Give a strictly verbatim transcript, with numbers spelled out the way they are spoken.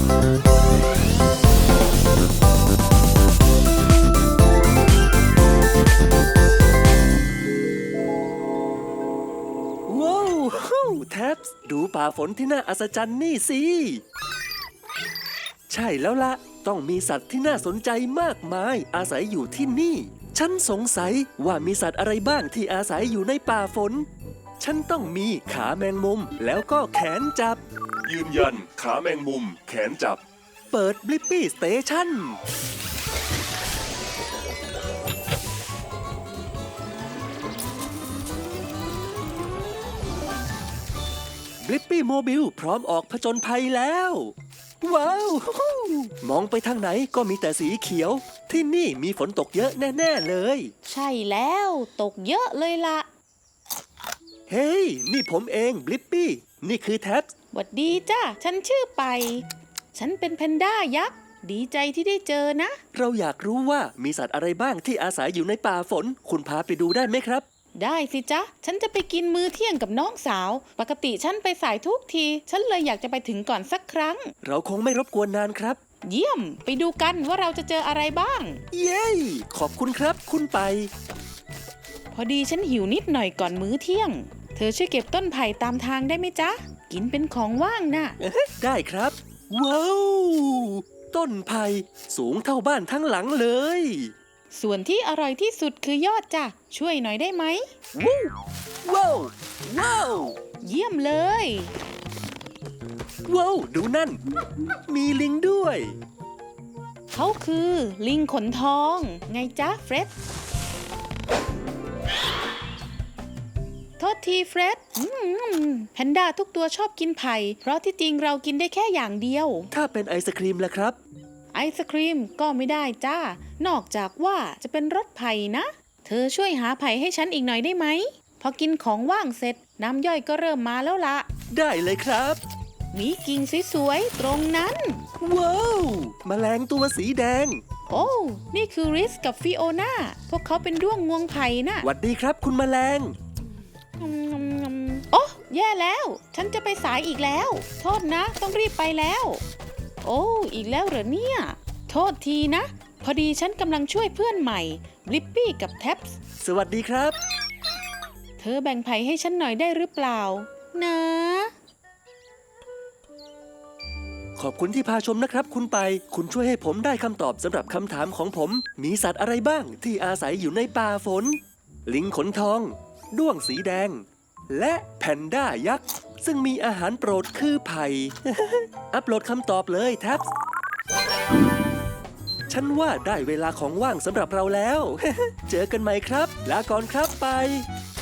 ว้าวแท็บส์ดูป่าฝนที่น่าอัศจรรย์นี่สิใช่แล้วละต้องมีสัตว์ที่น่าสนใจมากมายอาศัยอยู่ที่นี่ฉันสงสัยว่ามีสัตว์อะไรบ้างที่อาศัยอยู่ในป่าฝนฉันต้องมีขาแมงมุมแล้วก็แขนจับยืนยันขาแมงมุมแขนจับเปิดบลิปปี้สเตชันบลิปปี้โมบิลพร้อมออกผจญภัยแล้วว้าวมองไปทางไหนก็มีแต่สีเขียวที่นี่มีฝนตกเยอะแน่ๆเลยใช่แล้วตกเยอะเลยล่ะเฮ้ยนี่ผมเองบลิปปี้นี่คือแท็บหวัดดีจ้าฉันชื่อไปฉันเป็นแพนด้ายักษ์ดีใจที่ได้เจอนะเราอยากรู้ว่ามีสัตว์อะไรบ้างที่อาศัยอยู่ในป่าฝนคุณพาไปดูได้ไหมครับได้สิจ๊ะฉันจะไปกินมื้อเที่ยงกับน้องสาวปกติฉันไปสายทุกทีฉันเลยอยากจะไปถึงก่อนสักครั้งเราคงไม่รบกวนนานครับเยี่ยมไปดูกันว่าเราจะเจออะไรบ้างเย้ขอบคุณครับคุณไปพอดีฉันหิวนิดหน่อยก่อนมื้อเที่ยงเธอช่วยเก็บต้นไผ่ตามทางได้ไหมจ๊ะกินเป็นของว่างนะได้ครับว้าวต้นไผ่สูงเท่าบ้านทั้งหลังเลยส่วนที่อร่อยที่สุดคือยอดจ้ะช่วยหน่อยได้ไหมว้าวว้าวเยี่ยมเลยว้าวดูนั่นมีลิงด้วยเขาคือลิงขนทองไงจ๊ะเฟร็ดโทษทีเฟร็ดแพนด้าทุกตัวชอบกินไผ่เพราะที่จริงเรากินได้แค่อย่างเดียวถ้าเป็นไอศครีมล่ะครับไอศครีมก็ไม่ได้จ้านอกจากว่าจะเป็นรสไผ่นะเธอช่วยหาไผ่ให้ฉันอีกหน่อยได้ไหมพอกินของว่างเสร็จน้ำย่อยก็เริ่มมาแล้วละได้เลยครับมีกิ่งสวยๆตรงนั้นว้าวแมลงตัวสีแดงโอ้นี่คือริสกับฟิโอนาพวกเขาเป็นด้วงงวงไผ่นะหวัดดีครับคุณแมลงโอ้แย่แล้วฉันจะไปสายอีกแล้วโทษนะต้องรีบไปแล้วโอ้อีกแล้วเหรอเนี่ยโทษทีนะพอดีฉันกำลังช่วยเพื่อนใหม่บลิปปี้กับแท็บส์สวัสดีครับเธอแบ่งไผ่ให้ฉันหน่อยได้หรือเปล่านะขอบคุณที่พาชมนะครับคุณไปคุณช่วยให้ผมได้คำตอบสำหรับคำถามของผมมีสัตว์อะไรบ้างที่อาศัยอยู่ในป่าฝนลิงขนทองด้วงสีแดงและแพนด้ายักษ์ซึ่งมีอาหารโปรดคือไผ่ อัปโหลดคำตอบเลยแท็บฉันว่าได้เวลาของว่างสำหรับเราแล้ว เจอกันใหม่ครับลาก่อนครับไป